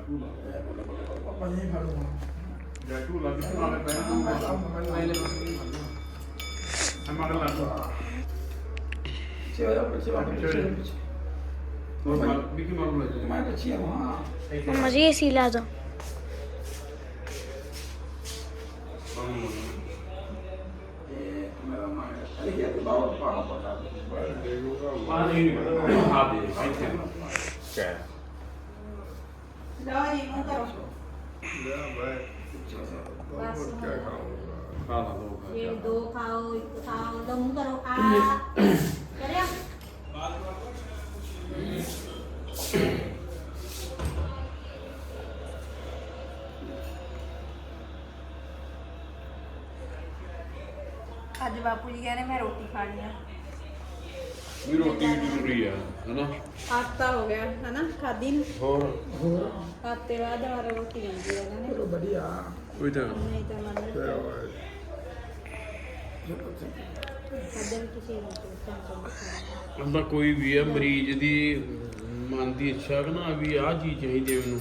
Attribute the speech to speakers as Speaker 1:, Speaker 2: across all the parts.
Speaker 1: ਝੂਲਾ
Speaker 2: ਪਾਪਾ ਜੀ ਫੜੂਗਾ
Speaker 1: ਜਾਂ ਝੂਲਾ ਕਿੱਥੇ ਨਾਲੇ ਪੈਣ ਤੂੰ
Speaker 2: ਮੈਂ ਲੈ ਬਸ
Speaker 1: ਮਗਰ ਲੱਗ
Speaker 2: ਸੇਵਾ ਪਿੱਛੇ
Speaker 1: ਹੋਰ ਬਿਕੀ ਮਗਰ ਲੱਗ
Speaker 2: ਮੈਂ ਪਿੱਛੇ ਹਾਂ
Speaker 3: मम्मा जी एसी ला दो
Speaker 2: ਮੇਰਾ ਮਾਂ ਇਹ ਕਿ ਬਾਹਰ ਪਾਣਾ ਪੜਾ
Speaker 1: ਪਾਣੀ ਨਹੀਂ ਪਤਾ ਆ ਦੇ ਇੱਥੇ ਕਹਿ
Speaker 4: ਲਓ ਜੀ ਮੂੰਹ ਕਰੋ
Speaker 1: ਖਾ ਲਾ ਦੋ
Speaker 4: ये दो खाओ एक खाओ तो मुंह करो आ करिया ਅੱਜ ਬਾਪੂ ਜੀ ਕਹਿੰਦੇ ਮੈਂ ਰੋਟੀ ਖਾਣੀ ਆ
Speaker 1: ਵੀ ਰੋਟੀ ਵੀ ਜ਼ਰੂਰੀ ਆ ਹਨਾ
Speaker 4: ਹਫਤਾ ਹੋ ਗਿਆ ਹਨਾ ਖਾਦੀ ਨੂੰ
Speaker 1: ਹੋਰ
Speaker 4: ਹਫਤੇ ਬਾਅਦ ਦੁਬਾਰਾ ਰੋਟੀ ਆਉਂਦੀ ਹੈ ਇਹਨਾਂ ਨੇ
Speaker 2: ਚਲੋ ਵਧੀਆ
Speaker 1: ਕੋਈ ਤਾਂ
Speaker 4: ਨਹੀਂ ਤਾਂ ਮੰਨ ਖਾਦੇ ਵੀ ਕਿਸੇ ਨੂੰ ਸੰਤੋਖ
Speaker 1: ਹੁੰਦਾ ਕੋਈ ਵੀ ਆ ਮਰੀਜ਼ ਦੀ ਮਨ ਦੀ ਇੱਛਾ ਕਿ ਨਾ ਵੀ ਆਹ ਚੀਜ਼ ਚਾਹੀਦੀ ਹੈ ਮੈਨੂੰ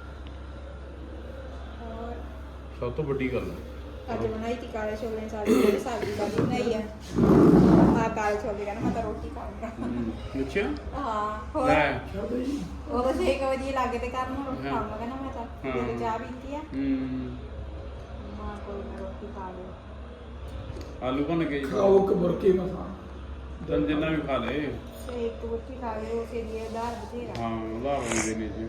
Speaker 4: ਹੋਰ
Speaker 1: ਸਭ ਤੋਂ ਵੱਡੀ ਗੱਲ ਹੈ
Speaker 4: ਅੱਜ ਬਣਾਈ ਤੀ ਕਾਲੇ ਛੋਲੇ ਸਾਡੀ ਸਬਜ਼ੀ ਦਾ ਬਣਾਈ ਆ ਆ ਕਾਲੇ ਛੋਲੇ ਕਹਿੰਦਾ ਮੈਂ ਤਾਂ ਰੋਟੀ ਖਾਊਂਗਾ
Speaker 1: ਅੱਛਾ
Speaker 4: ਹਾਂ ਹੋਰ
Speaker 1: ਲੈ
Speaker 4: ਉਹ ਤਾਂ 6 ਵਜੇ ਲੱਗੇ ਤੇ ਕਰਨ ਨੂੰ ਰੋਟੀ ਖਾਊਂਗਾ ਕਹਿੰਦਾ ਮੈਂ ਤਾਂ ਮੇਰੇ ਚਾਹ ਪੀਤੀ ਆ ਮਾਂ ਕੋਈ ਨਾ ਰੋਟੀ ਖਾ ਲਓ
Speaker 1: ਆਲੂ ਬਣ ਕੇ ਜੀ
Speaker 2: ਖਾਓ ਕਬਰਕੇ ਮਸਾ
Speaker 1: ਜਨ ਜਿੰਨਾ ਵੀ ਖਾ ਲੇ
Speaker 4: ਇੱਕ ਰੋਟੀ ਖਾ ਲਓ ਉਸੇ ਲਈ ਉਧਾਰ ਬਥੇਰਾ
Speaker 1: ਹਾਂ ਉਧਾਰ ਹੁੰਦੇ ਨੇ ਜੀ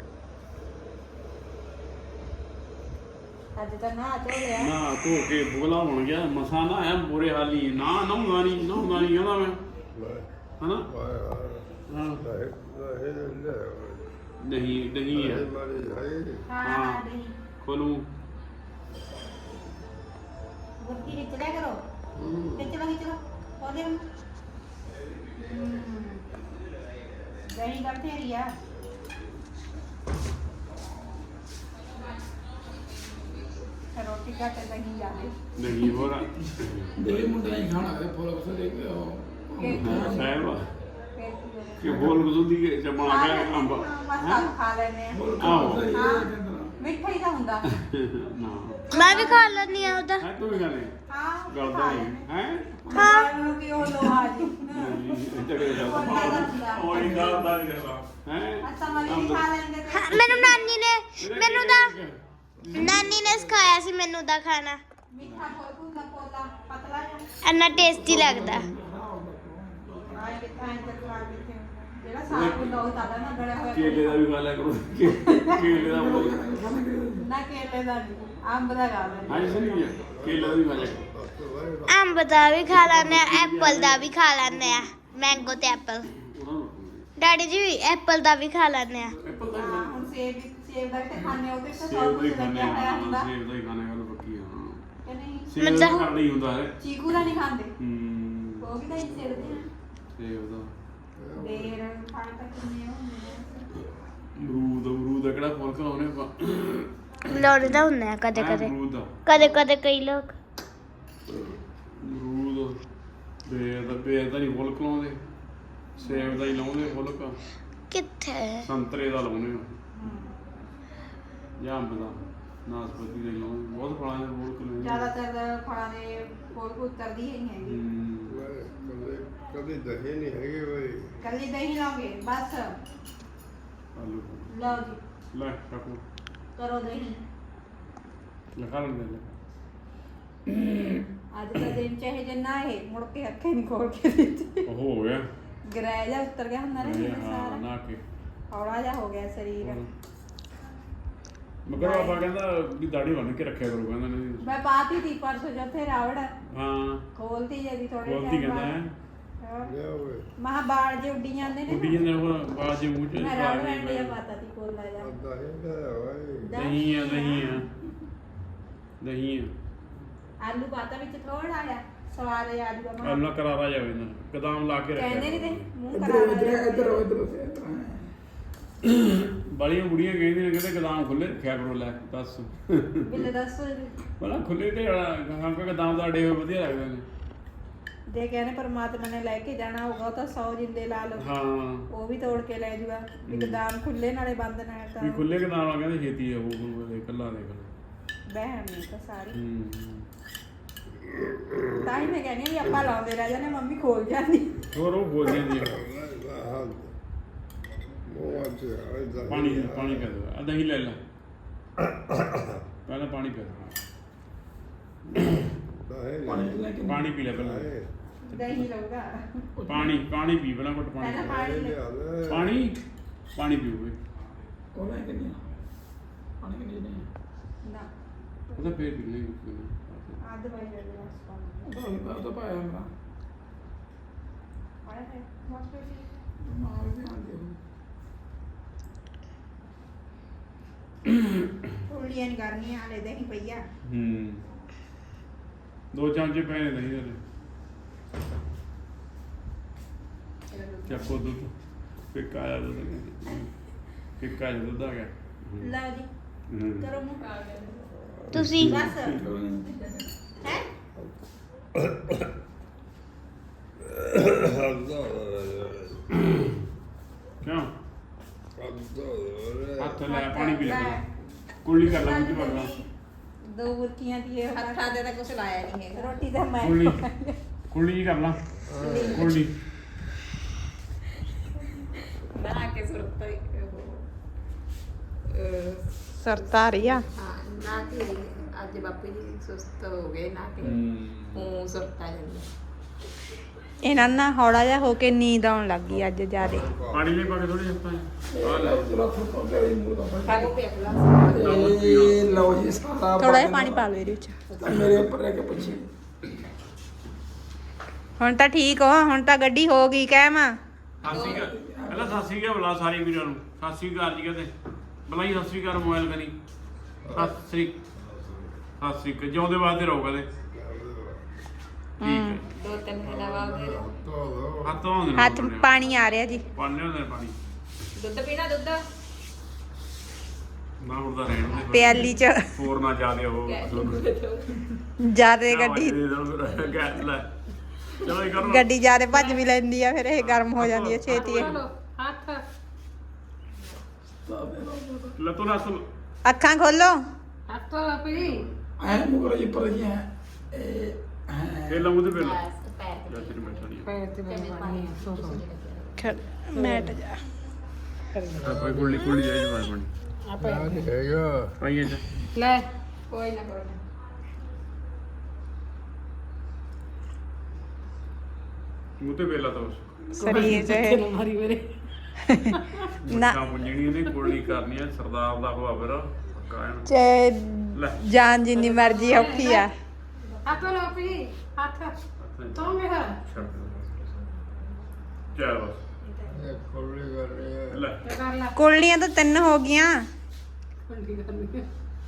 Speaker 4: ਅੱਜ ਤਾਂ ਨਾ ਚੋ ਲਿਆ
Speaker 1: ਨਾ ਧੋ ਕੇ ਬੋਲਾ ਬਣ ਗਿਆ ਮਸਾ ਨਾ ਐ ਬੁਰੇ ਹਾਲੀ ਨਾ ਨਹਾਉਂਦਾ ਨਹੀਂ ਕਹਿੰਦਾ ਮੈਂ ਹਨਾ ਹਾਂ ਨਹੀਂ ਹੈ
Speaker 4: ਹਾਂ ਨਹੀਂ
Speaker 1: ਖੋਲੂ
Speaker 4: ਗੁੱਟੀ ਖਿੱਚ ਲਿਆ ਕਰੋ ਖਿੱਚ ਲਓ ਉਹਦੇ ਨੂੰ ਦਹੀਂ ਦਾ ਬਥੇਰੀ ਆ ਰੋਟੀ ਘੱਟ ਦਹੀਂ ਜਾਵੇ
Speaker 1: ਨਹੀਂ ਹੋਰ
Speaker 2: ਦੇ ਮੁੰਡਾ ਹੀ ਖਾਣਾ ਹੈ ਫੁੱਲ ਬਸ ਦੇ ਕੇ
Speaker 1: ਸਾਹਿਬ
Speaker 4: ਫਿਰ ਕੀ ਹੋਵੇ
Speaker 1: ਕਿ ਬੋਲ ਗੁਜ਼ੂਦੀ ਕੇ ਜਮਾ ਗਿਆ ਅੰਬ
Speaker 4: ਮਸਾਂ ਖਾ ਲੈਨੇ ਆ
Speaker 1: ਆਹੋ
Speaker 4: ਮਿੱਠਾ ਹੀ ਤਾਂ ਹੁੰਦਾ
Speaker 1: ਨਾ
Speaker 3: मैं भी खा लेनी है उधर
Speaker 1: ਹੈ ਤੂੰ ਵੀ ਖਾਣੇ
Speaker 4: ਹਾਂ
Speaker 1: ਗਲਦਾ ਨਹੀਂ ਹੈ
Speaker 4: ਹਾਂ ਕਿ ਉਹ ਲੋਹਾ ਜੀ
Speaker 1: ਤੇਰੇ ਦਾ
Speaker 4: ਉਹ
Speaker 1: ਹੀ ਗਲਦਾ ਨਹੀਂ ਰਹਿਦਾ ਹੈ
Speaker 4: ਅੱਛਾ ਮਲੀ ਖਾ ਲੈਂਦੇ ਤੇ
Speaker 3: हाँ, मैनू नानी ने सिखाया सी मैनू दा खाना
Speaker 4: ਮਿੱਠਾ ਕੋਈ ਹੁੰਦਾ ਪੋਲਾ ਪਤਲਾ ਜਿਹਾ
Speaker 3: इन्ना टेस्टी लगदा
Speaker 4: ਆਏ ਕਿਥਾਂ ਤੱਕ ਖਾ ਕਿਥੇ ਜਿਹੜਾ ਸਾਗ ਹੁੰਦਾ ਉਹ ਤਾਦਾ ਨਾ ਗੜਿਆ ਹੋਇਆ
Speaker 1: ਕੇਲੇ ਦਾ ਵੀ ਖਾ ਲਿਆ ਕਰੋ ਕੇਲੇ ਦਾ
Speaker 4: ਨਾ ਕੇਲੇ ਦਾ ਨੀ, ਅੰਬ ਦਾ ਖਾ ਲੈਂਦੇ
Speaker 1: ਹਾਂ ਸਹੀ ਹੈ ਕੇਲੇ ਦਾ ਵੀ ਖਾ ਲਿਆ ਕਰੋ
Speaker 3: अंब दा भी खा लैने एप्पल दा भी खा लैने मैंगो ते एप्पल
Speaker 1: ਉਹਨਾਂ ਨੂੰ
Speaker 3: डैडी जी एप्पल दा भी खा लैने
Speaker 1: ਐਪਲ ਦਾ
Speaker 4: ਹਾਂ ਹੁਣ ਸੇਬ ਦਾ ਤੇ ਖਾਣੇ ਉਹਦੇ ਤੇ
Speaker 1: ਸੇਬ
Speaker 4: ਸਭ
Speaker 1: ਦਾ ਹੀ
Speaker 4: ਕੁਝ
Speaker 1: ਖਾਣੇ
Speaker 4: ਲੱਗਿਆ ਹੋਇਆ
Speaker 1: ਆ
Speaker 4: ਹੁੰਦਾ
Speaker 1: ਸੇਬ ਦਾ ਹੀ ਖਾਣੇ ਗੱਲ ਪੱਕੀ ਆ ਹਾਂ
Speaker 4: ਕਿ ਨਹੀਂ
Speaker 1: ਸੇਬ ਦਾ
Speaker 3: ਮਤਲਬ-
Speaker 1: ਕਰਨਾ ਹੀ ਹੁੰਦਾ ਹੈ
Speaker 4: ਚੀਕੂ ਦਾ ਨਹੀਂ ਖਾਂਦੇ
Speaker 1: ਹੂੰ
Speaker 4: ਉਹ ਵੀ ਤਾਂ ਹੀ ਸਿਰਦੇ ਆ
Speaker 1: ਸੇਬ ਦਾ
Speaker 4: ਦੇਰ ਖਾਣ ਤੱਕ ਕਿੰਨੇ ਹੁੰਦੇ ਆ
Speaker 1: ਅਮਰੂਦ ਦਾ ਕਿਹੜਾ ਫੁੱਲ ਖਲਾਉਣੇ ਆਪਾਂ
Speaker 3: लोड़दा हुंदा कदे
Speaker 1: ਹੈਂ,
Speaker 3: कदे
Speaker 1: ਅਮਰੂਦ ਦਾ
Speaker 3: कदे कदे कई लोग
Speaker 1: ਅਮਰੂਦ ਬੇਰ ਦਾ ਨਹੀਂ ਫੁੱਲ ਖਲਾਉਂਦੇ ਸੇਬ ਦਾ ਹੀ ਲਾਉਂਦੇ ਫੁੱਲ ਕਾ
Speaker 3: किथे
Speaker 1: ਸੰਤਰੇ ਦਾ ਲਾਉਂਦੇ ਆ ਜਾਂ ਅੰਬ ਦਾ ਨਾਸਪਤੀ ਦਾ ਹੀ ਲਾਉਂਦੇ ਬਹੁਤ ਫਲਾਂ ਦੇ ਫੁੱਲ ਖਲਾਉਂਦੇ
Speaker 4: ਜ਼ਿਆਦਾਤਰ ਫਲਾਂ ਦੇ ਫੁੱਲ ਕੁੱਤਰਦੀ ਹੀ ਨਹੀਂ ਹੈਗੀ
Speaker 5: ਕਦੇ ਦਹੇ ਨਹੀਂ ਹੈਗੇ ਬਈ
Speaker 4: ਕੱਲੀ ਦਹੀਂ ਲਾਓਗੇ ਬਸ
Speaker 1: ਆਲੂ
Speaker 4: ਲਓ ਜੀ
Speaker 1: ਲੈ ਕਾਕੂ
Speaker 4: ਕਰੋ ਦਹੀਂ
Speaker 1: ਲਖਾ ਲੈਂਦੇ ਲੈ
Speaker 4: ਅੱਜ ਦਾ ਦਿਨ ਚਾਹੇ ਜਿੰਨਾ ਇਹ ਮੁੜ ਕੇ ਅੱਖੇ ਨਹੀਂ ਖੋਲ ਕੇ ਦਿੱਤੇ
Speaker 1: ਉਹ ਹੋ ਗਿਆ
Speaker 4: ਗਰੈ ਜਾ ਉਤਰ ਗਿਆ ਹੁੰਦਾ ਨਾ
Speaker 1: ਇਹ
Speaker 4: ਜਿਵੇਂ
Speaker 1: ਹਾਂ
Speaker 4: ਸਾਰਾ
Speaker 1: ਨਾ ਕੇ
Speaker 4: ਹੌਲਾ ਜਾ ਹੋ ਗਿਆ ਸਰੀਰ
Speaker 1: ਮਗਰ ਬਾਬਾ ਕਹਿੰਦਾ ਵੀ ਦਾੜੀ ਬੰਨ ਕੇ ਰੱਖਿਆ ਕਰੋ ਕਹਿੰਦਾ ਨੇ
Speaker 4: ਮੈਂ ਪਾਤੀ ਤੀ ਪਰਸੋਂ ਜਿੱਥੇ ਰਾਵੜ
Speaker 1: ਹਾਂ
Speaker 4: ਖੋਲਤੀ ਜਦੀ ਥੋੜੇ
Speaker 1: ਬੋਲਦੀ ਕਹਿੰਦਾ ਹੈ
Speaker 5: ਲਿਆ ਓਏ
Speaker 4: ਮਹਾ ਬਾਲ ਜੇ ਉੱਡੀ ਜਾਂਦੇ ਨੇ
Speaker 1: ਉੱਡੀ ਜਾਂਦੇ ਉਹ ਬਾਜੇ ਮੂੰਹ ਚ
Speaker 4: ਮੈਂ ਰਾਵੜ ਐਂਡੀਆ ਪਾਤਾ ਤੀ ਕੋਲਾ ਜਾ
Speaker 5: ਦਹੇ ਦਾ ਓਏ
Speaker 1: ਨਹੀਂ ਆ ਨਹੀਂ ਆ ਨਹੀਂ ਆ
Speaker 4: ਆਲੂ ਪਾਤਾ ਵਿੱਚ ਥੋੜਾ ਆ ਸਵਾਦ ਆ ਜੂਗਾ ਮਹਾ
Speaker 1: ਆਲੂ ਕਰਾਰਾ ਜਾਵੇ ਨਾ ਕਦਮ ਲਾ ਕੇ ਰੱਖਿਆ
Speaker 4: ਕਹਿੰਦੇ ਨਹੀਂ ਤੇ ਮੂੰਹ
Speaker 2: ਇਧਰ
Speaker 4: ਕਰਾ
Speaker 2: ਇਧਰ
Speaker 1: ਬੜੀਆਂ ਬੁੜੀਆਂ ਕਹਿੰਦੀਆਂ ਨੇ ਕਹਿੰਦੇ ਕਦਮ ਖੁੱਲੇ ਰੱਖਿਆ ਕਰੋ ਲੈ ਦੱਸ
Speaker 4: ਬਿੱਲੇ ਦੱਸ
Speaker 1: ਬੜਾ ਖੁੱਲੇ ਤੇ ਹਾਂ ਕਿ ਕਦਮ ਦਾ ਡੇ ਵਧੀਆ ਲੱਗਦੇ ਨੇ
Speaker 4: ਜੇ ਕਹਿੰਦੇ ਪਰਮਾਤਮਾ ਨੇ ਲੈ ਕੇ ਜਾਣਾ ਹੋਊਗਾ ਉਹ ਤਾਂ 100 ਜਿੰਦੇ ਲਾ ਲਓ
Speaker 1: ਹਾਂ
Speaker 4: ਉਹ ਵੀ ਤੋੜ ਕੇ ਲੈ ਜੂਗਾ ਇੱਕਦਮ ਖੁੱਲੇ ਨਾਲੇ ਬੰਦ ਨਾਲ ਤਾਂ
Speaker 1: ਵੀ ਖੁੱਲੇ ਕਿਦਾਂ ਆ ਕਹਿੰਦੇ ਛੇਤੀ ਆ ਉਹ ਇਕੱਲਾ ਦੇਖ ਲਓ
Speaker 4: ਵਹਿਮ ਨਹੀਂ ਤਾਂ ਸਾਰੀ
Speaker 1: ਹੂੰ
Speaker 4: ਤਾਂ ਹੀ ਮੈਂ ਕਹਿੰਦੀ ਹਾਂ ਵੀ ਆਪਾਂ ਲਾਉਂਦੇ ਰਹਿ ਜਾਂਦੇ ਮੰਮੀ ਖੋਲ ਜਾਂਦੀ
Speaker 1: ਹੋਰ ਉਹ ਬੋਲ ਜਾਂਦੀ ਆ ਪਾਣੀ ਪਾਣੀ ਪੀ ਦੋ ਆ ਦਹੀਂ ਲੈ ਲੈ ਪਹਿਲਾਂ ਪਾਣੀ ਪੀ
Speaker 2: ਪਾਣੀ ਲੈ ਕੇ
Speaker 1: ਪਾਣੀ ਪੀ ਲੈ ਪਹਿਲਾਂ
Speaker 4: ਦਹੀਂ ਲਊਗਾ
Speaker 1: ਪਾਣੀ ਪੀ ਪਹਿਲਾਂ ਘੁੱਟ
Speaker 4: ਪਹਿਲਾਂ
Speaker 1: ਪਾਣੀ
Speaker 4: ਪਾਣੀ
Speaker 1: ਪਾਣੀ ਪਾਣੀ ਪੀਓ ਵੇ
Speaker 2: ਉਹ ਲੈ ਕੇ ਨਹੀਂ ਪਾਣੀ ਕਿ ਨਹੀਂ
Speaker 4: ਨਾ
Speaker 1: ਉਹਦਾ ਫੇਰ ਪੀ ਲਈ
Speaker 4: ਆਦ ਭਾਈ ਦੇ ਬਸ
Speaker 2: ਉਹ ਤਾਂ ਪਾਇਆ ਮੇਰਾ
Speaker 4: ਪਾਇਆ ਹੈ ਮਸਤ ਸੀ
Speaker 2: ਮਾਰ ਦੇ ਆਂਦੇ
Speaker 4: ਉਲੀਆਂ ਨਹੀਂ ਕਰਨੀਆਂ ਹਲੇ ਦਹੀਂ ਪਈਆ
Speaker 1: ਹੂੰ 2 ਚਮਚੇ ਪਏ ਨੇ ਦਹੀਂ ਦੇ ਚੱਕੋ ਦੁੱਧ ਫਿੱਕਾ ਆ ਦੁੱਧ ਫਿੱਕਾ ਜਿਹਾ ਦੁੱਧ ਆ ਗਿਆ
Speaker 4: ਲਓ ਜੀ
Speaker 1: ਹੂੰ
Speaker 4: ਕਰੋ ਮੂੰਹ
Speaker 3: ਤੁਸੀਂ
Speaker 4: ਬਸ ਹੈ
Speaker 1: ਕਿਉਂ ਹੱਥ ਲੈ ਪਾਣੀ ਪੀ ਲੈ ਪਹਿਲਾਂ। ਕੁਰਲੀ ਕਰ ਲੈ ਮੁੱਠੀ ਭਰ ਲਾ
Speaker 4: ਦੋ ਬੁਰਕੀਆਂ ਦੀ ਇਹ
Speaker 6: ਹੱਥਾਂ ਦੇ ਤਾਂ ਕੁਝ ਲਾਇਆ ਨਹੀਂ ਹੈਗਾ
Speaker 4: ਰੋਟੀ ਦਾ ਮੈਂ
Speaker 1: ਕੁਰਲੀ ਜੀ ਕਰ ਲਾ ਕੁਰਲੀ
Speaker 6: ਨਾ ਕੇ ਸੁਰਤ
Speaker 4: ਸਰਤਾ ਰਹੀ ਆ
Speaker 6: ਹਾਂ ਨਾ ਕਿ ਅੱਜ ਬਾਪੂ ਜੀ ਸੁਸਤ ਹੋ ਗਏ ਨਾ ਕਿ ਉਹ ਸੁਰਤਾ ਜਾਂਦੀ
Speaker 4: ਇਹਨਾਂ ਨਾਲ ਹੌੜਾ ਜਿਹਾ ਹੋ ਕੇ ਨੀਂਦ ਆਉਣ ਲੱਗ ਗਈ ਅੱਜ ਜਿਆਦੇ
Speaker 1: ਪਾਣੀ ਲਈ ਪਾ ਕੇ ਥੋੜੀ ਹੱਥਾਂ ਆ ਲੈ
Speaker 2: ਚਲੋ ਥੋੜਾ ਜਿਹਾ ਮੂੰਹ ਦਾ
Speaker 6: ਖਾਓ ਪਿਆ ਗਲਾਸ
Speaker 2: ਇਹ ਲਓ ਜੀ ਸਾਰਾ
Speaker 4: ਥੋੜਾ ਜਿਹਾ ਪਾਣੀ ਪਾ ਲਓ ਇਹਦੇ ਵਿੱਚ
Speaker 2: ਮੇਰੇ ਉੱਪਰ ਰਹਿ ਕੇ ਪੁੱਛੀ
Speaker 4: ਹੁਣ ਤਾਂ ਠੀਕ ਹੋ ਹੁਣ ਤਾਂ ਗੱਡੀ ਹੋ ਗਈ ਕਹਿਮ
Speaker 1: ਸਾਸੀ ਕਾ ਪਹਿਲਾਂ ਸਾਸੀ ਕਾ ਬੁਲਾ ਸਾਰੇ ਵੀਰਾਂ ਨੂੰ ਸਾਸੀ ਘਰ ਜੀ ਕਹਿੰਦੇ ਬੁਲਾਈ ਸਾਸੀ ਘਰ ਮੋਬਾਈਲ ਕਰੀ ਸਾਸੀ ਜਿਉਂਦੇ ਵਾਸਤੇ ਰਹੋ ਕਦੇ ਠੀਕ ਹੈ
Speaker 6: 2-3 ਦਿਨਾਂ ਬਾਅਦ
Speaker 1: ਹੱਥ ਧੋਉਂਦੇ
Speaker 4: ਹੱਥ ਪਾਣੀ ਆ ਰਿਹਾ ਜੀ
Speaker 1: ਪਾਣੇ ਹੁੰਦੇ ਨੇ ਪਾਣੀ
Speaker 6: ਦੁੱਧ ਪੀਣਾ ਦੁੱਧ
Speaker 1: ਨਾ ਉੜਦਾ ਰਹਿਣ ਦੇ
Speaker 4: ਪਿਆਲੀ ਚ
Speaker 1: ਹੋਰ ਨਾ ਜਾਦੇ ਉਹ
Speaker 4: ਜਿਆਦੇ ਗੱਡੀ
Speaker 1: ਲੈ ਚਲੋ ਇਹ ਕਰੋ
Speaker 4: ਗੱਡੀ ਜਿਆਦੇ ਭੱਜ ਵੀ ਲੈਂਦੀ ਆ ਫਿਰ ਇਹ ਗਰਮ ਹੋ ਜਾਂਦੀ ਹੈ ਛੇਤੀ ਇਹ।
Speaker 6: ਹੱਥ
Speaker 1: ਲੱਤੋਂ ਲੱਤ
Speaker 4: ਅੱਖਾਂ ਖੋਲੋ
Speaker 6: ਹੱਥ ਪੀ
Speaker 2: ਐ ਮੂੰਹ ਕਰ ਜੀ ਪਰ ਜੀ ਇਹ
Speaker 1: ਇਹ ਲੰਮੂ ਤੇ ਪਹਿਲਾਂ
Speaker 6: ਪੈਰ
Speaker 1: ਲੈ ਤੇਰੀ ਮੈਂ ਛੜੀ
Speaker 6: ਪੈਰ ਤੇ ਪਾਣੀ
Speaker 4: ਮੈਟ ਜਾ
Speaker 1: ਆਪਾਂ ਕੁੱਲੀ ਜਾਈ ਪਾਣੀ ਪਾਣੀ
Speaker 5: ਹੈਗਾ
Speaker 1: ਪਾਈਏ ਚ
Speaker 6: ਲੈ ਕੋਈ ਨਾ ਕੋਈ
Speaker 1: ਮੂੰਹ ਤੇ ਵੇਲਾ ਤਾਂ ਉਸ
Speaker 4: ਸਰੀਰ ਚ
Speaker 6: ਮਾਰੀ ਮੇਰੇ
Speaker 4: ਨਾ
Speaker 1: ਨਾ ਮੁੰਜਣੀ ਨੇ ਕੁੱਲੀ ਕਰਨੀ ਆ ਸਰਦਾਰ ਦਾ ਹੋਆ ਫਿਰ ਕਾਇਨ
Speaker 4: ਚ
Speaker 1: ਲੈ
Speaker 4: ਜਾਨ ਜਿੰਨੀ ਮਰਜ਼ੀ ਔਖੀ ਆ
Speaker 6: ਹੱਥ ਲੋ ਪੀ ਹੱਥ ਤੋਂ ਮੇਰਾ
Speaker 1: ਚੱਲ ਬਸ
Speaker 5: ਇਹ ਖੋਲੀ ਕਰ ਰਹੀ ਹੈ
Speaker 1: ਲੈ
Speaker 6: ਕਰ ਲੈ
Speaker 4: ਕੁਰਲੀਆਂ ਤਾਂ 3 ਹੋ ਗਈਆਂ
Speaker 6: ਕੁੰਡੀ ਕਰਨੀ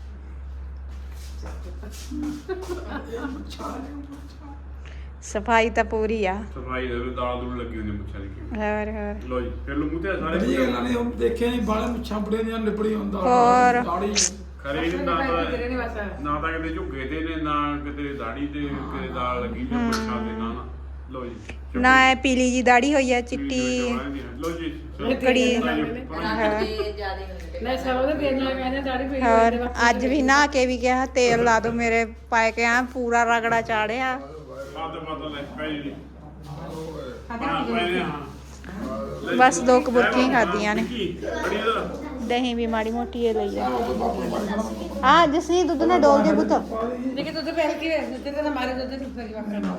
Speaker 4: ਸਫਾਈ ਤਾਂ ਪੂਰੀ ਆ
Speaker 1: ਸਫਾਈ ਦੇ ਦਾਲ ਦੂਲ ਲੱਗੀ ਹੁੰਦੀ ਮੁੱਛਾਂ ਦੀ
Speaker 4: ਹੋਰ
Speaker 1: ਲੋ ਜੀ ਫਿਰ ਲੋ ਮੂੰਹ ਤੇ ਸਾਰੇ
Speaker 2: ਬੜੀ ਗੱਲਾਂ ਨੇ ਉਹ ਦੇਖਿਆ ਨਹੀਂ ਬਾਲੇ ਮੁੱਛਾਂ ਬੜੇ ਨੇ ਲਿਪੜੀ ਹੁੰਦਾ
Speaker 4: ਹੋਰ।
Speaker 2: ਦਾੜੀ
Speaker 1: ਖਰੇ ਨੇ ਨਾ
Speaker 6: ਤੇਰੇ ਨੇ ਬਸ
Speaker 1: ਨਾ ਤਾਂ ਕਿਤੇ ਝੁੱਗੇ ਤੇ ਨੇ ਨਾ ਕਿਤੇ ਦਾੜੀ ਤੇ ਕਿਤੇ ਦਾਲ ਲੱਗੀ ਜਾਂ ਮੁੱਛਾਂ ਤੇ ਨਾ ਲੋ ਜੀ
Speaker 4: ਨਾ ਇਹ ਪੀਲੀ ਜੀ ਦਾੜੀ ਹੋਈ ਆ ਚਿੱਟੀ
Speaker 1: ਲੋ ਜੀ
Speaker 4: ਕੜੀ
Speaker 6: ਰਾਤ ਦੇ ਜਿਆਦੇ ਹੁੰਦੇ
Speaker 7: ਮੈਂ ਸਰੋਂ ਦੇ ਤੇਲ ਨਾਲ ਕਹਿੰਦੇ ਦਾੜੀ ਪਈ
Speaker 4: ਹੋਰ ਅੱਜ ਵੀ ਨਹਾ ਕੇ ਵੀ ਕਿਹਾ ਤੇਲ ਲਾ ਦੋ ਮੇਰੇ ਪਾਏ ਕੇ ਆ ਪੂਰਾ ਰਗੜਾ ਚਾੜਿਆ
Speaker 1: ਆਦ ਮਾਤਾ ਲੈ ਪੈ ਜੀ ਹਾਂ ਪਹਿਲੇ ਹਾਂ
Speaker 4: ਬਸ 2 ਕਬੂਤੀਆਂ ਖਾਧੀਆਂ ਨੇ
Speaker 1: ਬੜੀ ਦਾ
Speaker 4: ਦਹੀਂ ਵੀ ਮਾੜੀ ਮੋਟੀ ਇਹ ਲਈ ਆ ਹਾਂ ਜਸਨੀ ਦੁੱਧ ਨਾਲ ਡੋਲ ਦੇ ਪੁੱਤ
Speaker 7: ਦੇਖੇ ਦੁੱਧ ਪਹਿਲ ਕੇ ਦੁੱਧ ਤੇ ਮਾਰੇ ਦੁੱਧ ਨੂੰ ਫਰੀ ਵਾਕਰ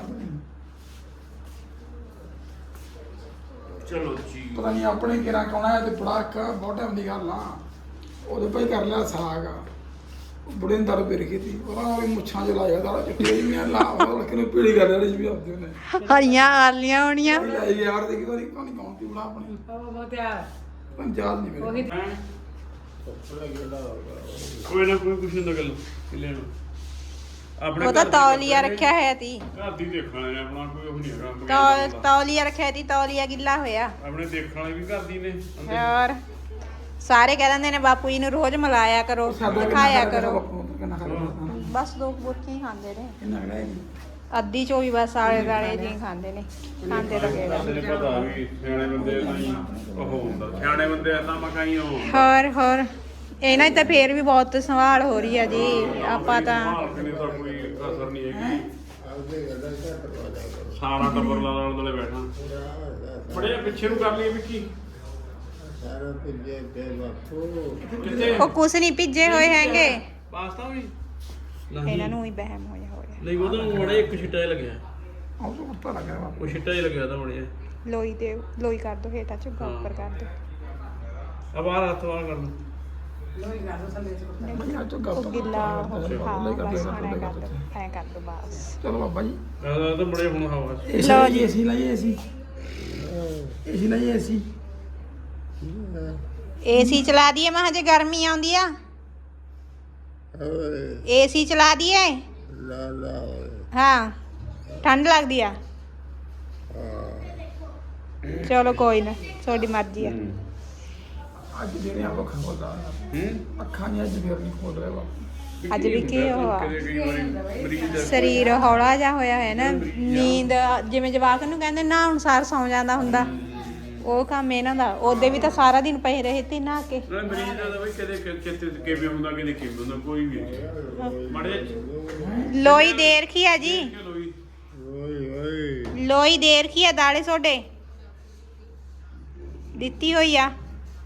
Speaker 1: ਚਲੋ ਜੀ
Speaker 2: ਪਤਾ ਨਹੀਂ ਆਪਣੇ ਕਿਹੜਾ ਕੌਣਾ ਹੈ ਤੇ ਬੜਾ ਇੱਕ ਬਹੁਤ ਟਾਈਮ ਦੀ ਗੱਲ ਆ ਉਹਦੇ ਭਾਈ ਕਰ ਲਿਆ ਸਾਗ ਬੁੜੇ ਨੇ ਦਰ ਪੀ ਰਖੀ ਤੀ ਉਹ ਮੁੱਛਾਂ ਚ ਲਾਇਆ ਦਾੜਾ ਚਿੱਟੀ ਜਿਹੀ ਮੈਂ ਲਾ ਉਹ ਕਿਨੂੰ ਪੀੜੀ ਕਰ ਲਈ ਵੀ ਆਪਦੇ ਨੇ
Speaker 4: ਹਰੀਆਂ ਆਲੀਆਂ ਹੋਣੀਆਂ
Speaker 2: ਲਾਈ ਯਾਰ ਦੇਖੀ ਤਾਂ ਨਹੀਂ ਕੌਣ ਤੀ ਬੜਾ ਆਪਣੀ
Speaker 7: ਉਹ ਬਹੁਤ ਯਾਰ
Speaker 2: ਪੰਜਾਬ ਨਹੀਂ ਮੇਰੇ
Speaker 7: ਉਹੀ
Speaker 1: ਕੋਈ ਨਾ ਕੋਈ ਕੁਛ ਨਾ ਗੱਲ ਲੈਣ ਆਪਣੇ
Speaker 4: ਉਹ ਤਾਂ ਤੌਲੀਆ ਰੱਖਿਆ ਹੋਇਆ ਤੀ
Speaker 1: ਘਰ ਦੀ ਦੇਖਣ ਵਾਲੇ ਨੇ ਆਪਣਾ ਕੋਈ ਉਹ ਨਹੀਂ ਹੈਗਾ
Speaker 4: ਤੌਲੀਆ ਰੱਖਿਆ ਤੀ ਤੌਲੀਆ ਗਿੱਲਾ ਹੋਇਆ
Speaker 1: ਆਪਣੇ ਦੇਖਣ ਵਾਲੇ ਵੀ ਘਰ ਦੀ ਨੇ
Speaker 4: ਹੋਰ ਸਾਰੇ ਕਹਿ ਦਿੰਦੇ ਨੇ ਬਾਪੂ ਜੀ ਨੂੰ ਰੋਜ਼ ਮਿਲਾਇਆ ਕਰੋ ਦਿਖਾਇਆ ਕਰੋ
Speaker 2: ਕਿੰਨਾ ਖਾ ਲਿਆ
Speaker 4: ਬਸ 2 ਬੁਰਕੀਆਂ ਹੀ ਖਾਂਦੇ ਨੇ
Speaker 2: ਕਿੰਨਾ ਖੜਾ ਹੈ
Speaker 4: ਅੱਧੀ ਚੋਂ ਵੀ ਬਸ ਆਲੇ ਦਾਲੇ ਜੀ ਖਾਂਦੇ ਨੇ, ਖਾਂਦੇ ਤਾਂ ਕਿਹੜਾ।
Speaker 1: ਤੈਨੂੰ ਪਤਾ ਵੀ ਸਿਆਣੇ ਬੰਦੇ ਨਹੀਂ ਉਹ ਹੁੰਦਾ, ਸਿਆਣੇ ਬੰਦੇ ਏਦਾਂ ਮਕਾਈ ਉਹ
Speaker 4: ਹੋਰ ਇਹਨਾਂ 'ਚ ਤਾਂ ਫੇਰ ਵੀ ਬਹੁਤ ਸੰਭਾਲ ਹੋ ਰਹੀ ਆ ਜੀ। ਆਪਾਂ ਤਾਂ
Speaker 1: ਮਾਲਕ ਨੇ ਤਾਂ ਕੋਈ ਕਸਰ ਨਹੀਂ ਹੈਗੀ, ਸਾਰਾ ਟੱਬਰ ਨਾਲ ਦਲੇ ਬੈਠਾ। ਬੜੇ ਪਿੱਛੇ ਨੂੰ ਕਰ ਲਈ ਵਿੱਕੀ
Speaker 5: ਸਾਰਾ ਪਿੱਛੇ ਤੇ ਬਾਪੂ
Speaker 1: ਕਿੱਥੇ
Speaker 4: ਉਹ ਕੁਛ ਨਹੀਂ ਭਿੱਜੇ ਹੋਏ ਹੈਗੇ,
Speaker 1: ਪਾਸਤਾ ਵੀ
Speaker 4: ਇਹਨਾਂ ਨੂੰ ਹੀ ਵਹਿਮ ਹੋਇਆ
Speaker 1: ਨਹੀਂ, ਉਹਦਾ ਮੜੇ ਇੱਕ ਛਿੱਟਾ ਜਿਹਾ ਲੱਗਿਆ,
Speaker 2: ਆਹ ਤੋਂ ਉੱਤਾ ਲੱਗਿਆ ਵਾ
Speaker 1: ਉਹ ਛਿੱਟਾ ਜਿਹਾ ਲੱਗਿਆ ਤਾਂ ਮੜੇ
Speaker 4: ਲੋਈ ਕਰ ਦੋ ਹੇਠਾਂ ਝੁੱਗਾ ਉੱਪਰ ਕਰ ਦੋ।
Speaker 1: ਆ ਬਾਹਰ ਹੱਥ ਬਾਹਰ ਕਰ ਲਓ।
Speaker 2: ਬਈਆ ਚੋ ਗੱਲ
Speaker 4: ਉਹ ਗਿੱਲਾ ਹਾਂ ਬਸ ਹੁਣ ਐਂ ਕਰ
Speaker 2: ਚਲੋ
Speaker 4: ਦੋ, ਐਂ ਕਰ ਦੋ ਬਸ।
Speaker 2: ਬਾਬਾ ਜੀ
Speaker 1: ਆ ਤਾਂ ਬੜੇ ਹੁਣ ਹਵਾ
Speaker 4: ਲਓ ਜੀ।
Speaker 2: ਏਸੀ ਲਾਈਏ, ਏਸੀ ਲਾਈਏ,
Speaker 4: ਏਸੀ ਚਲਾ ਦਈਏ ਮੈਂ ਹਜੇ ਗਰਮੀ ਆਉਂਦੀ ਆ,
Speaker 5: ਓਏ
Speaker 4: ਏਸੀ ਚਲਾ ਦਈਏ।
Speaker 5: ਲਾ ਲਾ ਓਏ
Speaker 4: ਹਾਂ ਠੰਡ ਲੱਗਦੀ ਆ, ਚਲੋ ਕੋਈ ਨਾ ਤੁਹਾਡੀ ਮਰਜ਼ੀ ਆ।
Speaker 2: ਅੱਜ ਜਿਹੜੇ ਆਪਾਂ ਖੋਲਦਾ ਅੱਖਾਂ ਨਹੀਂ ਅੱਜ ਫੇਰ ਨਹੀਂ ਖੋਲ ਰਿਹਾ ਵਾ।
Speaker 4: ਅੱਜ ਵੀ ਕੀ ਉਹ ਆ,
Speaker 1: ਕਈ ਵਾਰੀ ਮਰੀਜ਼ ਦਾ
Speaker 4: ਸਰੀਰ ਹੌਲਾ ਜਿਹਾ ਹੋਇਆ ਹੈ ਨਾ, ਨੀਂਦ ਜਿਵੇਂ ਜਵਾਕ ਨੂੰ ਕਹਿੰਦੇ ਨਾ ਅਨੁਸਾਰ ਸੌਂ ਜਾਂਦਾ ਹੁੰਦਾ, ਉਹ ਕੰਮ ਇਹਨਾਂ ਦਾ। ਉਹਦੇ ਵੀ ਤਾਂ ਸਾਰਾ ਦਿਨ ਪਏ ਰਹੇ ਤੇ ਨਹਾ ਕੇ।
Speaker 1: ਨਾਲੇ ਮਰੀਜ਼ ਦਾ ਤਾਂ ਬਈ ਕਦੇ ਕਿਤੇ ਕਿਵੇਂ ਹੁੰਦਾ, ਕਦੇ ਕਿਵੇਂ ਹੁੰਦਾ, ਕੋਈ ਵੀ ਮੜੇ
Speaker 4: ਲੋਈ ਦੇ ਰੱਖੀ ਆ ਜੀ,
Speaker 1: ਲੋਈ
Speaker 5: ਓਏ ਓਏ
Speaker 4: ਲੋਈ ਦੇ ਰੱਖੀ ਆ, ਦਾਲੇ ਸੋਡੇ ਦਿੱਤੀ ਹੋਈ ਆ।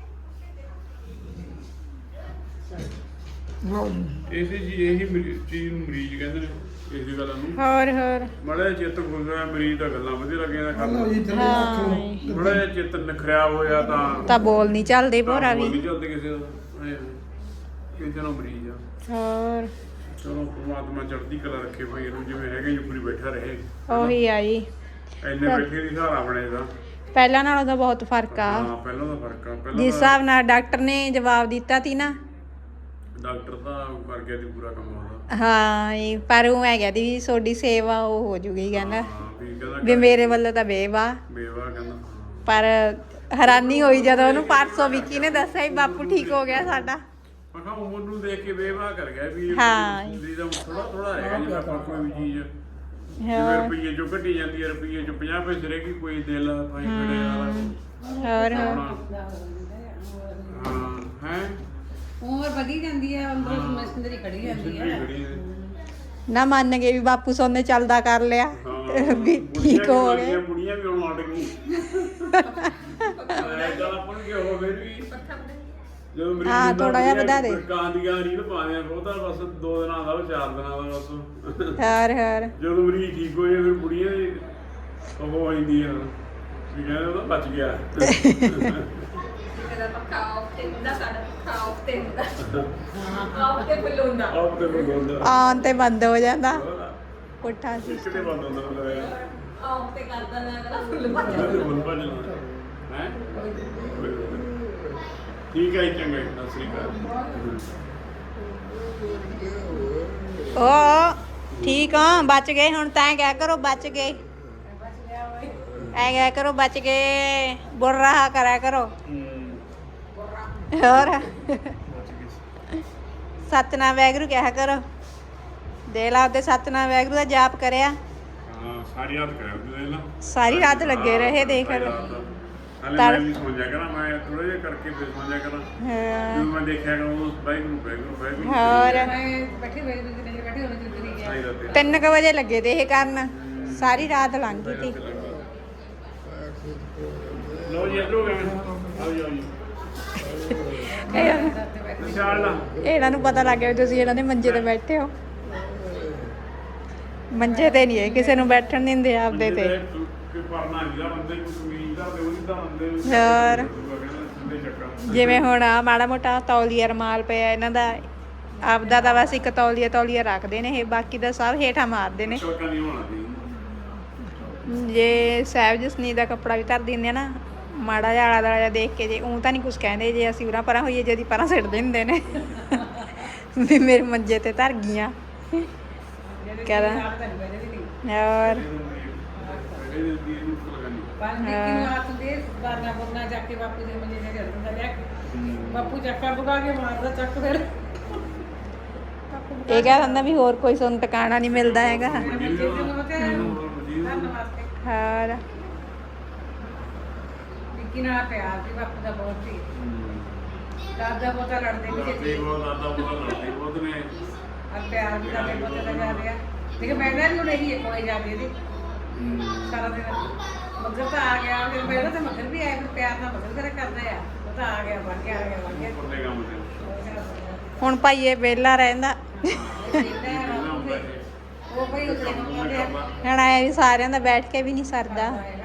Speaker 2: ਲਓ ਜੀ
Speaker 1: ਇਸੇ ਜੀ ਇਹੀ ਚੀਜ਼ ਨੂੰ ਮਰੀਜ਼ ਕਹਿੰਦੇ ਨੇ, ਇਸੇ ਗੱਲ ਨੂੰ
Speaker 4: ਹੋਰ
Speaker 1: ਮੜਾ ਚਿੱਤ ਖੁੱਲ ਰਿਹਾ, ਮਰੀਜ਼ ਦਾ ਗੱਲਾਂ ਵਧੀਆ ਲੱਗੀਆਂ
Speaker 2: ਲਓ ਜੀ ਥੱਲੇ ਰੱਖ ਲਓ।
Speaker 1: ਥੋੜਾ ਜਿਹਾ ਚਿੱਤ ਖਰਾਬ ਹੋਇਆ ਤਾਂ
Speaker 4: ਬੋਲ ਨਹੀਂ ਚੱਲਦੇ ਭੋਰਾ
Speaker 1: ਬੋਲ
Speaker 4: ਵੀ।
Speaker 1: ਨਹੀਂ ਚੱਲਦੇ ਕਿਸੇ ਦਾ, ਕਿਸੇ ਨੂੰ ਮਰੀਜ਼ ਆ।
Speaker 4: ਹੋਰ
Speaker 1: ਚਲੋ ਪਰਮਾਤਮਾ ਚੜ੍ਹਦੀ ਕਲਾ ਰੱਖੇ ਭਾਈ ਇਹਨੂੰ, ਜਿਵੇਂ ਹੈਗੇ ਜੁਪਰੀ ਬੈਠਾ ਰਹੇ,
Speaker 4: ਉਹੀ ਆ ਜੀ,
Speaker 1: ਐਨੇ ਬੈਠੇ ਦੀ ਸਹਾਰਾ ਬਣੇਗਾ।
Speaker 4: ਪਹਿਲਾਂ ਨਾਲੋਂ ਤਾਂ ਬਹੁਤ ਫਰਕ ਆ।
Speaker 1: ਹਾਂ ਪਹਿਲਾਂ ਦਾ ਫਰਕ ਆ,
Speaker 4: ਜਿਸ
Speaker 1: ਪਹਿਲਾਂ
Speaker 4: ਹਿਸਾਬ ਨਾਲ ਡਾਕਟਰ ਨੇ ਜਵਾਬ ਦਿੱਤਾ ਸੀ ਨਾ,
Speaker 1: ਡਾਕਟਰ ਤਾਂ ਕਰ ਗਿਆ ਸੀ ਪੂਰਾ ਕੰਮ ਉਹਦਾ।
Speaker 4: ਹਾਂ ਇਹ ਪਰ ਉਹ ਹੈਗਾ ਦੀ ਵੀ ਤੁਹਾਡੀ ਸੇਵਾ ਉਹ ਹੋ ਜੂਗੀ ਕਹਿੰਦਾ
Speaker 1: ਹਾਂ ਵੀ ਕਹਿੰਦਾ
Speaker 4: ਵੀ ਮੇਰੇ ਵੱਲੋਂ ਤਾਂ ਬੇਵਾ।
Speaker 1: ਬੇਵਾ ਕਹਿੰਦਾ
Speaker 4: ਪਰ ਹੈਰਾਨੀ ਹੋਈ ਜਦੋਂ ਉਹਨੂੰ ਪਰਸੋਂ ਵਿੱਕੀ ਨੇ ਦੱਸਿਆ ਵੀ ਬਾਪੂ ਠੀਕ ਹੋ ਗਿਆ ਸਾਡਾ।
Speaker 1: ਮੈਂ ਕਿਹਾ ਉਮਰ ਨੂੰ ਦੇਖ ਕੇ ਬੇਵਾ ਕਰ ਗਿਆ ਵੀ
Speaker 4: ਹਾਂ।
Speaker 1: ਜਿਹਦਾ ਥੋੜਾ ਥੋੜਾ ਹੈਗਾ, ਜਿਵੇਂ ਆਪਾਂ ਕੋਈ ਵੀ ਚੀਜ਼ ਜਿਵੇਂ
Speaker 4: ਹੋਰ
Speaker 1: ਰੁਪਈਏ ਚੋਂ ਘਟੀ ਜਾਂਦੀ ਹੈ, ਰੁਪਈਏ ਚੋਂ 50 ਪੈਸੇ ਰਹਿ ਗਈ, ਕੋਈ ਦਿਲ ਭਾਈ ਖੜੇ ਵਾਲਾ
Speaker 4: ਹੋਰ
Speaker 1: ਹਾਂ ਹੈ
Speaker 7: ਉਮਰ ਵਧੀ ਜਾਂਦੀ ਹੈ, ਅੰਦਰੋਂ ਮਸ਼ੀਨਰੀ ਖੜੀ ਜਾਂਦੀ ਹੈ।
Speaker 4: ਨਾ ਮੰਨ ਗਏ ਵੀ ਬਾਪੂ ਸੋਨੇ ਚੱਲਦਾ ਕਰ ਲਿਆ ਵੀ ਠੀਕ ਹੋ ਗਏ।
Speaker 1: ਬੁੜੀਆਂ ਵੀ ਹੁਣ ਅੜ ਗਈ ਚੱਲ ਆਪਾਂ ਨੂੰ ਕੀ ਹੋ ਫਿਰ ਵੀ ਜਦੋਂ ਮਰੀਜ਼
Speaker 4: ਹਾਂ, ਥੋੜ੍ਹਾ ਜਿਹਾ ਵਧਾ ਦੇ।
Speaker 1: ਕਾਂ ਦੀ ਗਾਂ ਰੀਲ ਪਾਉਂਦੇ ਆ, ਉਹ ਤਾਂ ਬਸ 2 ਦਿਨਾਂ ਦਾ, ਉਹ 4 ਦਿਨਾਂ ਦਾ ਬਸ।
Speaker 4: ਹੋਰ
Speaker 1: ਜਦੋਂ ਮਰੀਜ਼ ਠੀਕ ਹੋ ਜਾਏ ਫਿਰ ਬੁੜੀਆਂ ਦੀ ਉਹ ਹੋ ਜਾਂਦੀ ਆ ਵੀ ਕਹਿੰਦੇ ਉਹ ਤਾਂ ਬਚ ਗਿਆ।
Speaker 6: ਇਹਦਾ ਪੱਖਾ ਆਫ ਤੇ ਹੁੰਦਾ, ਸਾਡਾ ਪੱਖਾ ਆਫ ਤੇ ਹੁੰਦਾ, ਆਫ ਤੇ ਫੁੱਲ ਹੁੰਦਾ।
Speaker 1: ਆਪ ਤੇ ਬੰਦ ਹੁੰਦਾ,
Speaker 4: ਆਉਣ ਤੇ ਬੰਦ ਹੋ ਜਾਂਦਾ ਪੁੱਠਾ ਸੀ।
Speaker 1: ਕਿਤੇ ਬੰਦ ਹੁੰਦਾ ਮਤਲਬ
Speaker 6: ਆਫ ਤੇ ਕਰਦਾ ਨਾ ਕਹਿੰਦਾ ਫੁੱਲ ਭੱਜ ਜਾਂਦਾ।
Speaker 1: ਹੈ ਬੁਲ ਭੱਜ ਹੈ। ਠੀਕ ਹੈ ਜੀ, ਚੰਗਾ ਜੀ, ਸਤਿ ਸ੍ਰੀ ਅਕਾਲ।
Speaker 4: ਓ ਠੀਕ ਆ, ਬਚ ਗਏ ਹੁਣ ਤਾਂ ਕਿਆ ਕਰੋ, ਬਚ ਗਏ ਐ ਕਿਆ ਕਰੋ, ਬਚ ਗਏ, ਬੁਰ ਰਹਾ ਕਰਿਆ ਕਰੋ। ਹੋਰ ਸਤਨਾਮ ਵੈਗਰੂ ਕਿਹਾ ਕਰੋ, ਦੇ ਲਾ ਉਹਦੇ ਸਤਨਾਮ ਵੈਗਰੂ ਦਾ ਜਾਪ ਕਰਿਆ।
Speaker 1: ਹਾਂ ਸਾਰੀ ਰਾਤ ਕਰਿਆ ਉਹਦੇ ਨਾਲ,
Speaker 4: ਸਾਰੀ ਰਾਤ ਲੱਗੇ ਰਹੇ ਦੇਖ
Speaker 1: ਹਲੇ ਮੈਂ ਵੀ ਸੌਂ ਜਾ ਕਰਾਂ, ਮੈਂ ਥੋੜਾ ਜਿਹਾ ਕਰਕੇ ਫਿਰ ਸੌਂ ਜਾ ਕਰਾਂ। ਜਦੋਂ ਮੈਂ ਦੇਖਿਆ ਕਿ ਉਹ ਵਾਹਿਗੁਰੂ
Speaker 4: ਹੋਰ
Speaker 7: ਮੈਂ ਬੈਠੀ ਹੋਈ ਦੂਜੀ ਨੇ ਬੈਠੀ ਹੋਈ ਦੂਜੀ ਨੇ
Speaker 1: ਸਾਰੀ ਰਾਤ
Speaker 4: 3 ਵਜੇ ਲੱਗੇ ਤੇ ਇਹ ਕਰਨ, ਸਾਰੀ ਰਾਤ ਲੰਘ ਗਈ ਤੀ।
Speaker 1: ਲੋ ਜੀ ਇਧਰੋਂ ਗਏ ਆਓ ਜੀ, ਆਓ ਜੀ ਨਿਸ਼ਾਨ ਲਾ।
Speaker 4: ਇਹਨਾਂ ਨੂੰ ਪਤਾ ਲੱਗ ਗਿਆ ਵੀ ਤੁਸੀਂ ਇਹਨਾਂ ਦੇ ਮੰਜੇ ਤੇ ਬੈਠੇ ਹੋ। ਮੰਜੇ ਤੇ ਨਹੀਂ ਹੈ ਕਿਸੇ ਨੂੰ ਬੈਠਣ ਦਿੰਦੇ ਆਪਦੇ ਤੇ।
Speaker 1: ਕੋਈ ਪਰਨਾ ਨਹੀਂ ਦਾ ਬੰਦੇ ਕੋਈ ਕਮੀਜ਼ ਦਾ ਤੇ ਉਹਦੀ ਤਾਂ ਬੰਦੇ
Speaker 4: ਹੋਰ
Speaker 1: ਸਿੱਧੇ ਚੱਕਾ
Speaker 4: ਜਿਵੇਂ ਹੁਣ ਆ ਮਾੜਾ ਮੋਟਾ ਤੌਲੀਆ ਰਮਾਲ ਪਿਆ ਇਹਨਾਂ ਦਾ, ਆਪਦਾ ਤਾਂ ਬਸ ਇੱਕ ਤੌਲੀਆ ਰੱਖਦੇ ਨੇ ਇਹ, ਬਾਕੀ ਦਾ ਸਭ ਹੇਠਾਂ ਮਾਰਦੇ ਨੇ।
Speaker 1: ਚੱਕਾ ਨਹੀਂ ਹੋਣਾ ਸੀ।
Speaker 4: ਜੇ ਸਾਹਿਬ ਜਸਨੀ ਦਾ ਕੱਪੜਾ ਵੀ ਧਰ ਦਿੰਦੇ ਆ ਨਾ, ਮਾੜਾ ਜਿਹਾ ਆਲਾ ਦੁਆਲਾ ਜਿਹਾ ਦੇਖ ਕੇ, ਜੇ ਉਹ ਤਾਂ ਨਹੀਂ ਕੁਝ ਕਹਿੰਦੇ, ਜੇ ਅਸੀਂ ਉਰਾਂ ਪਰਾਂ ਹੋਈਏ ਜਦੀ ਪਰਾਂ ਸਿੱਟ ਦਿੰਦੇ ਨੇ ਵੀ ਮੇਰੇ ਮੰਜੇ ਤੇ ਧਰ ਗਈਆਂ ਕਹਿੰਦਾ। ਹੋਰ
Speaker 7: ਰਾਤ ਦੇ ਬਾਰਨਾ ਬੋਲਣਾ ਜਾ ਕੇ ਬਾਪੂ ਦੇ ਮੰਜੇ ਤੇ ਚੱਲ ਜਾਂਦਾ ਲੈ ਕੇ, ਬਾਪੂ ਚੱਕਾ ਬੁਗਾ ਕੇ ਮਾਰਦਾ ਚੱਕ ਫਿਰ ਬਾਪੂ
Speaker 4: ਇਹ ਕਹਿ ਦਿੰਦਾ ਵੀ ਹੋਰ ਕੋਈ ਸਾਨੂੰ ਟਿਕਾਣਾ ਨਹੀਂ ਮਿਲਦਾ ਹੈਗਾ। ਹੋਰ
Speaker 7: ਵਿੱਕੀ ਨਾਲ ਪਿਆਰ ਵੀ ਬਾਪੂ ਦਾ ਬਹੁਤ ਸੀ। ਦਾਦਾ ਪੋਤਾ ਲੜਦੇ ਵੀ ਸੀ।
Speaker 1: ਦਾਦਾ ਪੋਤਾ ਲੜਦੇ ਬਹੁਤ ਨੇ।
Speaker 7: और प्यार भी करते पता लगा दिया लेकिन मैं भी नहीं है कोई जाती थी सारा दिन मगर तो आ गया फिर पहले तो मगर भी आए फिर प्यार ना मगर करे करते हैं वो तो आ गया बन गया
Speaker 1: ਉੱਪਰਲੇ ਕੰਮ ਤੇ
Speaker 4: ਹੁਣ ਭਾਈਏ ਵਿਹਲਾ ਰਹਿੰਦਾ।
Speaker 7: वो भाई उतरे
Speaker 4: ਹੁਣ ਆਏ ਵੀ ਸਾਰਿਆਂ ਦਾ ਬੈਠ ਕੇ ਵੀ ਨਹੀਂ ਸਰਦਾ।